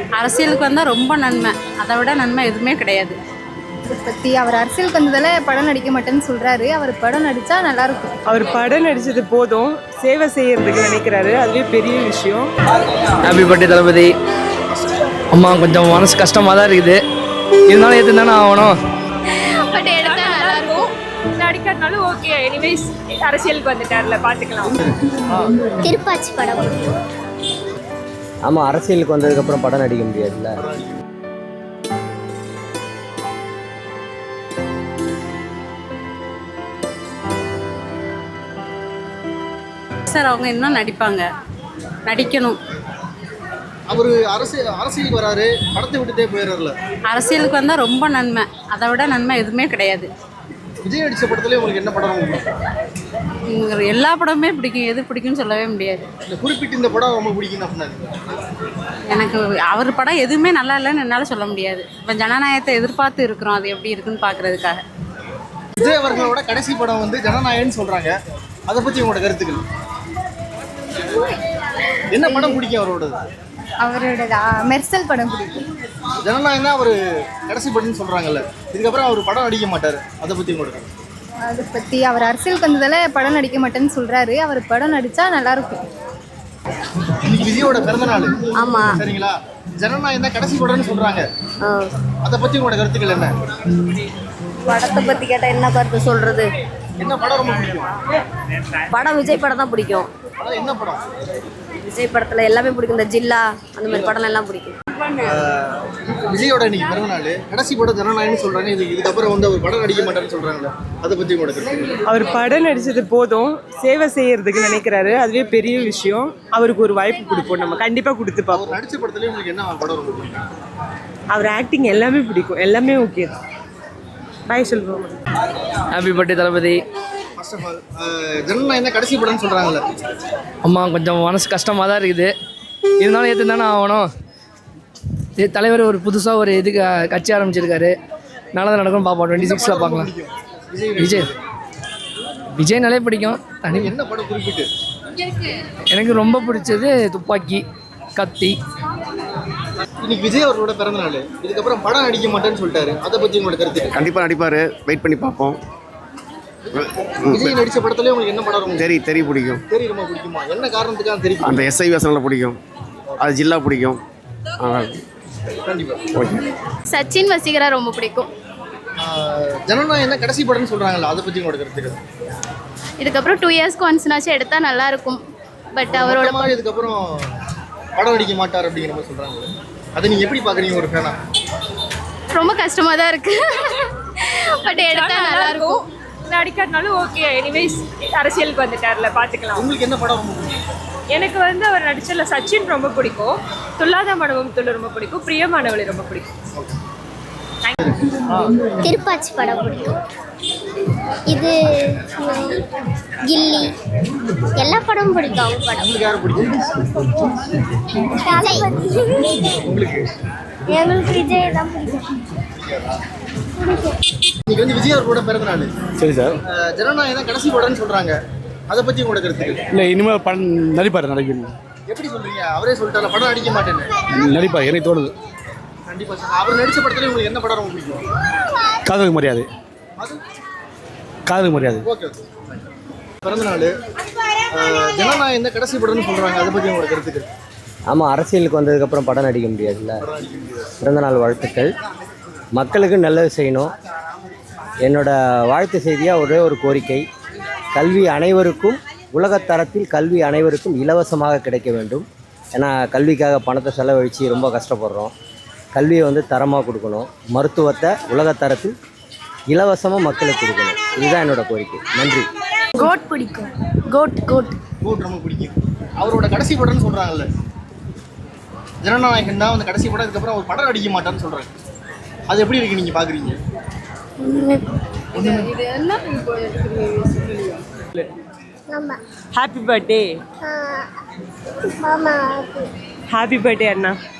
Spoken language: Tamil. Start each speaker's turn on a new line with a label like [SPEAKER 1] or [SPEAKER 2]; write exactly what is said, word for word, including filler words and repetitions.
[SPEAKER 1] அரசியலுக்கு வந்தால் ரொம்ப நன்மை, அதை விட நன்மை எதுவுமே கிடையாது.
[SPEAKER 2] இதை பற்றி அவர் அரசியலுக்கு வந்ததால் படம் நடிக்க மாட்டேன்னு சொல்கிறாரு. அவர் படம் நடித்தா நல்லாயிருக்கும்.
[SPEAKER 3] அவர் படம் நடித்தது போதும், சேவை செய்யறதுக்கு நினைக்கிறாரு, அதுவே பெரிய விஷயம்.
[SPEAKER 4] Happy birthday Thalapathy. அம்மா கொஞ்சம் மனசு கஷ்டமாக தான் இருக்குது, இருந்தாலும் எது தானே ஆகணும்.
[SPEAKER 5] பட் எடுத்தா நல்லாயிருக்கும், நடிக்கிறதுனாலும் ஓகே. எனிவேஸ் அரசியலுக்கு வந்துட்டார்ல, பார்த்துக்கலாம்.
[SPEAKER 6] திருப்பாச்சி படம்.
[SPEAKER 7] ஆமாம், அரசியலுக்கு வந்ததுக்கப்புறம் படம் நடிக்க முடியாதுல்ல.
[SPEAKER 1] சார் அவங்க இன்னும் நடிப்பாங்க, நடிக்கணும்.
[SPEAKER 8] அவர் அரசியல் அரசியலுக்கு வராரு, படத்தை விட்டுட்டே போயிடுறாருல.
[SPEAKER 1] அரசியலுக்கு வந்தால் ரொம்ப நன்மை, அதை விட நன்மை எதுவுமே கிடையாது.
[SPEAKER 8] விஜய் நடித்த படத்துலேயே உங்களுக்கு என்ன படம்
[SPEAKER 1] உங்களுக்கு எல்லா படமுமே பிடிக்கும், எது பிடிக்கும்னு சொல்லவே முடியாது.
[SPEAKER 8] இல்லை குறிப்பிட்டு இந்த படம் ரொம்ப பிடிக்கும் அப்படின்னா
[SPEAKER 1] எனக்கு அவர் படம் எதுவுமே நல்லா இல்லைன்னு என்னால் சொல்ல முடியாது. இப்போ ஜனநாயகத்தை எதிர்பார்த்து இருக்கிறோம், அது எப்படி இருக்குன்னு பார்க்குறதுக்காக.
[SPEAKER 8] விஜய் அவர்களோட கடைசி படம் வந்து ஜனநாயகன்னு சொல்கிறாங்க, அதை பற்றி உங்களோட கருத்துக்கள் என்ன? படம் பிடிக்கும் அவரோடது?
[SPEAKER 2] அவரோட மெர்சல் படம் பிடிக்கும்.
[SPEAKER 8] ஜனநாயகம் தான் அவர் கடைசி படம்னு சொல்கிறாங்கல்ல, இதுக்கப்புறம் அவர் படம் நடிக்க மாட்டார், அதை பற்றி உங்களோட கருத்து?
[SPEAKER 2] அதை பற்றி அவர் அரசியலுக்கு வந்ததால் படம் நடிக்க மாட்டேன்னு சொல்கிறாரு. அவர் படம் நடித்தா நல்லாயிருக்கும்.
[SPEAKER 8] இன்னைக்கு விஜயோட பிறந்த நாள்.
[SPEAKER 6] ஆமாம்,
[SPEAKER 8] சரிங்களா? ஜனநாயகம் தான் கடைசி படம்னு சொல்கிறாங்க, அதை பற்றி உங்களோட கருத்துக்கள் என்ன?
[SPEAKER 6] படத்தை பற்றி கேட்டால் என்ன கருத்து சொல்கிறது?
[SPEAKER 8] என்ன படம் ரொம்ப பிடிக்கும்?
[SPEAKER 6] படம் விஜய் படம் தான் பிடிக்கும்.
[SPEAKER 8] அதான் என்ன படம்?
[SPEAKER 6] விஜய் படத்தில் எல்லாமே பிடிக்கும். இந்த ஜில்லா அந்த மாதிரி படம் எல்லாம் பிடிக்கும்.
[SPEAKER 8] விஜயோட இன்னைக்கு பிறந்த நாள், கடைசி படம் ஜனநாயகம்னு சொல்கிறாங்க, இது இதுக்கப்புறம் வந்து அவர் படம் நடிக்க மாட்டாருன்னு சொல்கிறாங்களே, அதை பற்றி உங்களோட கருத்து?
[SPEAKER 3] அவர் படம் நடித்தது போதும், சேவை செய்யறதுக்கு நினைக்கிறாரு, அதுவே பெரிய விஷயம். அவருக்கு ஒரு வாய்ப்பு கொடுப்போம், நம்ம கண்டிப்பாக கொடுத்து பார்ப்போம்.
[SPEAKER 8] அவர் நடித்த படத்துலேயே உங்களுக்கு என்ன படம் ரொம்ப பிடிக்கும்?
[SPEAKER 3] அவர் ஆக்டிங் எல்லாமே பிடிக்கும், எல்லாமே ஓகே தான். பாய் சொல்லுவோம்.
[SPEAKER 4] Happy birthday Thalapathy.
[SPEAKER 8] First of all ஜனநாயகம் தான் கடைசி படம்னு சொல்கிறாங்கல்ல.
[SPEAKER 4] அம்மா கொஞ்சம் மனசு கஷ்டமாக தான் இருக்குது, இருந்தாலும் எது தானே ஆகணும். இது தலைவர் ஒரு புதுசாக ஒரு இதுக்கு கட்சி ஆரம்பிச்சிருக்காரு, நல்லதாக நடக்கும். பார்ப்போம், டுவெண்ட்டி சிக்ஸில் பார்க்கலாம். விஜய் விஜய்னாலே பிடிக்கும். தனி
[SPEAKER 8] என்ன படம் குறிப்பிட்டு?
[SPEAKER 4] எனக்கு ரொம்ப பிடிச்சது துப்பாக்கி, கத்தி.
[SPEAKER 8] இன்னைக்கு விஜய் அவர்களோட பிறந்த நாள், இதுக்கப்புறம் படம் நடிக்க மாட்டேன்னு சொல்லிட்டாரு, அதை பற்றி உங்களோட கருத்து?
[SPEAKER 9] கண்டிப்பாக நடிப்பார், வெயிட் பண்ணி பார்ப்போம்.
[SPEAKER 8] விஜய் நடித்த படத்துலேயே உங்களுக்கு என்ன படம் ரொம்ப
[SPEAKER 9] தெரி தெரி பிடிக்கும்?
[SPEAKER 8] தெரி ரொம்ப பிடிக்குமா? என்ன காரணத்துக்காக தெரியும்?
[SPEAKER 9] அந்த எஸ்ஐ வேஷனில் பிடிக்கும், அது ஜில்லா பிடிக்கும்.
[SPEAKER 8] கண்டிப்பாக
[SPEAKER 9] ஓகே.
[SPEAKER 5] சச்சின் வசீகரா ரொம்ப பிடிக்கும்.
[SPEAKER 8] ஜனநாயகம் தான் கடைசி படம்னு சொல்கிறாங்கல்ல, அதை பற்றி உங்களோட கருத்துக்கள்?
[SPEAKER 5] இதுக்கப்புறம் டூ இயர்ஸ்க்கு ஒன்ஸ்னாச்சும் எடுத்தால் நல்லாயிருக்கும். பட் அவரோட
[SPEAKER 8] மாதிரி இதுக்கப்புறம் படம் நடிக்க மாட்டார் அப்படிங்கிற மாதிரி சொல்கிறாங்க, அதை நீங்கள் எப்படி பார்க்குறீங்க ஒரு ஃபேனா?
[SPEAKER 5] ரொம்ப கஷ்டமாக தான் இருக்குது. பட் எடுத்தால் நல்லாயிருக்கும்,
[SPEAKER 10] நடிக்கிறதுனாலும் ஓகே. எனிவேஸ் அரசியலுக்கு வந்துட்டார்ல, பார்த்துக்கலாம்.
[SPEAKER 8] உங்களுக்கு என்ன படம் ரொம்ப பிடிக்கும்?
[SPEAKER 10] எனக்கு வந்து அவர் நடிச்சல சச்சின் ரொம்ப பிடிக்கும், துல்லாத மனமும் துள்ளு ரொம்ப பிடிக்கும், பிரியமானவளை ரொம்ப பிடிக்கும்.
[SPEAKER 6] திருப்பாச்சி படம் பிடிக்கும். இது கில்லி எல்லா படமும் பிடிக்கும். அவங்க படம்
[SPEAKER 8] உங்களுக்கு யாரும் பிடிக்கும்? உங்களுக்கு?
[SPEAKER 6] எங்களுக்கு விஜய் தான் பிடிக்கும்.
[SPEAKER 8] இன்னைக்கு வந்து விஜய் அவர்களோட பிறந்த நாள்.
[SPEAKER 9] சரி சார்.
[SPEAKER 8] ஜனநாயகம் தான் கடைசி படம்னு சொல்கிறாங்க, அதை பற்றி உங்களோட கருத்துக்கள்?
[SPEAKER 9] இல்லை, இனிமேல் படம் நடிப்பார், நடிக்கணும்.
[SPEAKER 8] எப்படி சொல்கிறீங்க? அவரே சொல்லிட்டாரு படம் நடிக்க மாட்டேன்னு.
[SPEAKER 9] நடிப்பார், எனக்கு தோணுது.
[SPEAKER 8] கண்டிப்பாக சார். அவர் நடித்த படத்துலேயே உங்களுக்கு என்ன படம் ரொம்ப பிடிக்கும்?
[SPEAKER 9] காதலுக்கு மரியாதை.
[SPEAKER 8] அது
[SPEAKER 9] காதலுக்கு மரியாதை.
[SPEAKER 8] Okay okay. பிறந்த நாள், ஜனநாயகம் தான் கடைசி படம்னு சொல்கிறாங்க, அதை பற்றி உங்களோட கருத்துக்கள்?
[SPEAKER 7] ஆமாம், அரசியலுக்கு வந்ததுக்கப்புறம் படம் நடிக்க முடியாதுல்ல. பிறந்தநாள் வாழ்த்துக்கள். மக்களுக்கு நல்லது செய்யணும். என்னோட வாழ்த்து செய்தியாக ஒரே ஒரு கோரிக்கை, கல்வி அனைவருக்கும், உலகத்தரத்தில் கல்வி அனைவருக்கும் இலவசமாக கிடைக்க வேண்டும். ஏன்னா கல்விக்காக பணத்தை செலவழித்து ரொம்ப கஷ்டப்படுறோம். கல்வியை வந்து தரமாக கொடுக்கணும். மருத்துவத்தை உலகத்தரத்தில் இலவசமாக மக்களுக்கு கொடுக்கணும். இதுதான் என்னோட கோரிக்கை. நன்றி.
[SPEAKER 6] கோட் பிடிக்கும். கோட் கோட்
[SPEAKER 8] கோட் ரொம்ப பிடிக்கும். அவரோட கடைசி படம்னு சொல்கிறாங்கல்ல, ஜனநாயகன் தான் வந்து கடைசி படம், இதுக்கப்புறம் அவர் படம் நடிக்க மாட்டார்னு சொல்கிறாங்க, அது எப்படி இருக்கு நீங்கள் பார்க்குறீங்க?
[SPEAKER 3] Happy birthday. ஹாப்பி பர்த்டே அண்ணா.